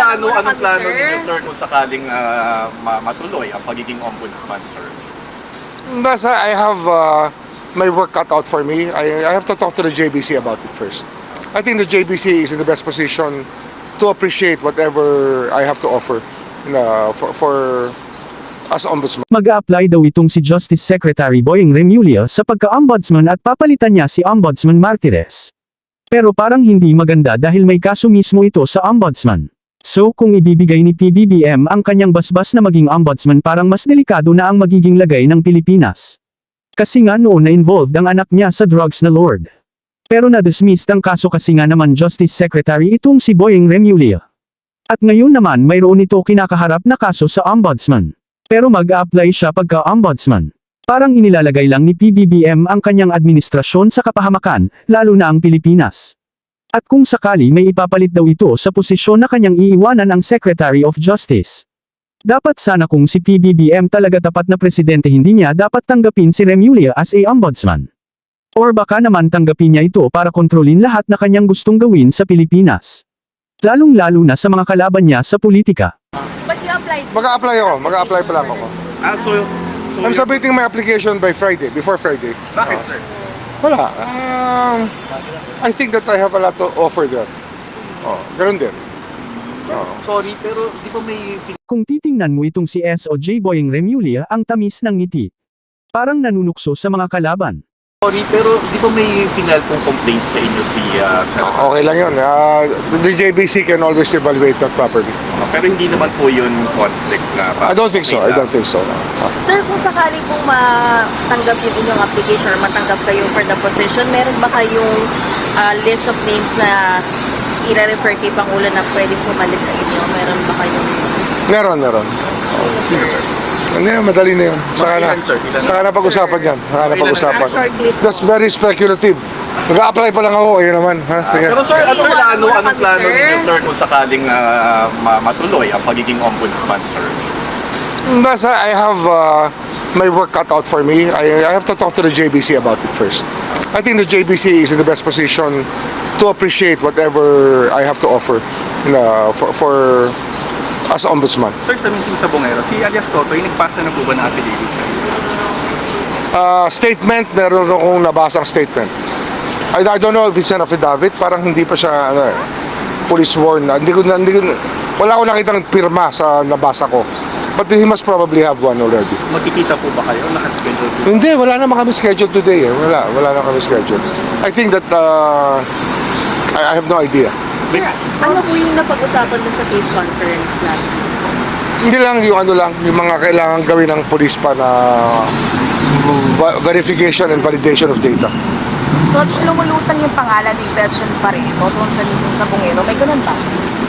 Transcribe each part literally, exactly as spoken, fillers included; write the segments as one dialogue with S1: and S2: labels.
S1: plano,
S2: muna
S1: anong
S2: kami,
S1: plano
S2: sir.
S1: ninyo, sir, kung sakaling ah, ma- matuloy ang pagiging ombudsman, sir?
S3: Thus, I have uh, my work cut out for me. I, I have to talk to the J B C about it first. I think the J B C is in the best position to appreciate whatever I have to offer uh, for, for as ombudsman.
S4: Mag-a-apply daw itong si Justice Secretary Boyeng Remulla sa pagka-ombudsman at papalitan niya si Ombudsman Martires. Pero parang hindi maganda dahil may kaso mismo ito sa ombudsman. So kung ibibigay ni P B B M ang kanyang basbas na maging ombudsman, parang mas delikado na ang magiging lagay ng Pilipinas. Kasi nga noon na-involved ang anak niya sa drugs na lord. Pero na-dismissed ang kaso kasi nga naman Justice Secretary itong si Boyeng Remulla. At ngayon naman mayroon ito kinakaharap na kaso sa ombudsman. Pero mag-a-apply siya pagka-ombudsman. Parang inilalagay lang ni P B B M ang kanyang administrasyon sa kapahamakan, lalo na ang Pilipinas. At kung sakali may ipapalit daw ito sa posisyon na kanyang iiwanan ang Secretary of Justice. Dapat sana kung si P B B M talaga tapat na presidente, hindi niya dapat tanggapin si Remulla as a ombudsman. Or baka naman tanggapin niya ito para kontrolin lahat na kanyang gustong gawin sa Pilipinas. Lalong-lalo na sa mga kalaban niya sa politika.
S2: But you applied.
S3: Mag-a-apply ako. Mag-a-apply pa lang ako.
S1: Ah, so, so
S3: I'm submitting my application by Friday, before Friday.
S1: Bakit, sir?
S3: Wala. Um, I think that I have a lot to offer there. Oh, ganun din. Oh.
S1: Sorry, pero di ba may
S4: Kung titingnan mo itong si S O J Boyeng Remulla, ang tamis ng ngiti. Parang nanunukso sa mga kalaban.
S1: Sorry, pero di ba may final pong complaint sa inyo si uh, Senator?
S3: Okay lang yun. Uh, the J B C can always evaluate that properly.
S1: Pero hindi naman po yun conflict na...
S3: I don't think so. I don't think so. Uh,
S2: Sir, kung sakali pong matanggap yung inyong application or matanggap kayo for the position, meron ba kayong ah, list of names na i-refer kay Pangulo na pwedeng pumalit sa inyo? Meron ba kayong...
S3: meron, meron.
S1: Sino, sir?
S3: Ano yan, madali na yun. Saka na,
S1: Ilan, sir? Ilan?
S3: saka na pag-usapan yan. Saka na
S1: Ilan?
S3: pag-usapan.
S2: Ah, shortlist
S3: That's
S2: po.
S3: very speculative. Mag-a-apply pa lang ako. Ayun naman. Ha? Sige.
S1: Pero sir, ano
S2: Iiwanan
S1: plano,
S2: mo na
S1: anong
S2: kami,
S1: plano
S2: sir.
S1: ninyo, sir, kung sakaling ah, ma- matuloy ang pagiging ombudsman, sir?
S3: Thus, I have uh, my work cut out for me. I, I have to talk to the J B C about it first. I think the J B C is in the best position to appreciate whatever I have to offer uh, for, for as ombudsman.
S1: Sir, sa meeting sa Bungero, si alias Totoy, nagpasa na po ba ng affidavit sa inyo?
S3: Uh, statement, meron akong nabasang statement. I, I don't know if it's an affidavit, parang hindi pa siya ano, eh, fully sworn. Na. Hindi ko, na- hindi ko, wala akong nakitang pirma sa nabasa ko. But he must probably have one already.
S1: Magkikita po ba kayo? Nakaschedule po?
S3: Hindi, wala naman kami schedule today. Eh. Wala, wala na kami schedule. I think that uh, I, I have no idea.
S2: Sir, ano po yung napag-usapan dun sa case conference last week?
S3: Hindi lang yung ano lang, yung mga kailangan gawin ng police pa na v- verification and validation of data.
S5: So, lumulutang yung pangalan ni Version Pareto doon sa mismo sa Bungero. May ganun ba?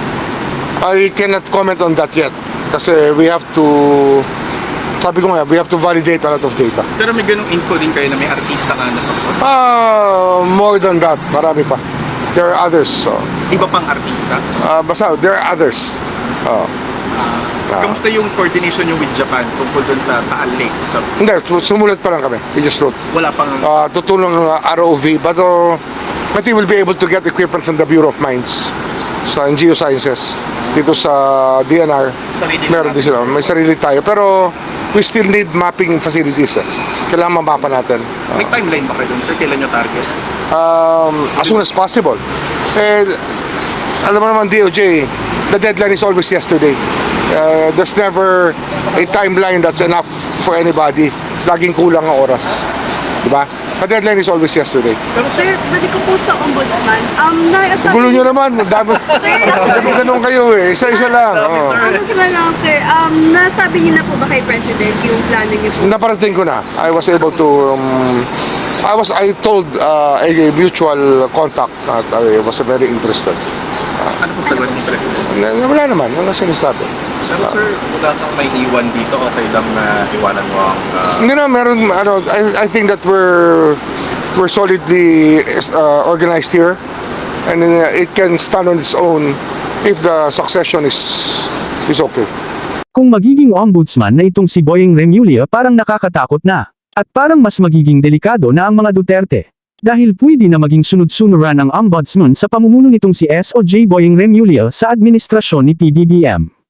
S3: I cannot comment on that yet. Kasi we have to, sabi ko nga, we have to validate a lot of data.
S1: Pero may ganung info din kayo na may artista ka na sa
S3: Ah, more than that, marami pa. There are others. So,
S1: iba pang artista.
S3: ah, basta, there are others. Oh. Ah.
S1: Kamusta yung coordination nyo with Japan tungkol dun sa Taal Lake? Sa,
S3: Hindi, sumulat pa lang kami. We just wrote.
S1: wala pang...
S3: Uh, tutulong ng R O V, but uh, I think we'll be able to get equipment from the Bureau of Mines sa Geosciences. Dito sa D N R,
S1: Sarili
S3: meron din sila. May sarili tayo. Pero we still need mapping facilities. Eh. Kailangan mamapa natin.
S1: May timeline ba kayo dun, sir? Kailan nyo target?
S3: Um, as soon as possible. Eh, alam mo naman, D O J, the deadline is always yesterday. Uh, there's never a timeline that's enough for anybody. Laging kulang ang oras. Diba? The deadline is always yesterday.
S5: Sir, balik ko po sa ombudsman. Um, naiasabi...
S3: Gulo nyo naman. Dami, dami ganun kayo eh. Isa-isa lang. Oh.
S5: Ombudsman lang, sir. Um, nasabi niyo na po ba kay President yung plano niyo po?
S3: Naparating ko na. I was able to... Um, I was I told uh, a mutual contact that I was very interested.
S1: Ano po sagot ni President?
S3: Na- Wala naman. Wala sinasabi.
S1: Pero sir, wala kang may iwan dito, okay lang na iwanan mo ang... ah,
S3: Hindi na, meron, ano, I, I think that we're, we're solidly uh, organized here. And uh, it can stand on its own if the succession is, is okay.
S4: Kung magiging ombudsman na itong si Boyeng Remulla, parang nakakatakot na. At parang mas magiging delikado na ang mga Duterte. Dahil pwede na maging sunod-sunuran ang ombudsman sa pamumuno nitong si S O J Boyeng Remulla sa administrasyon ni P B B M.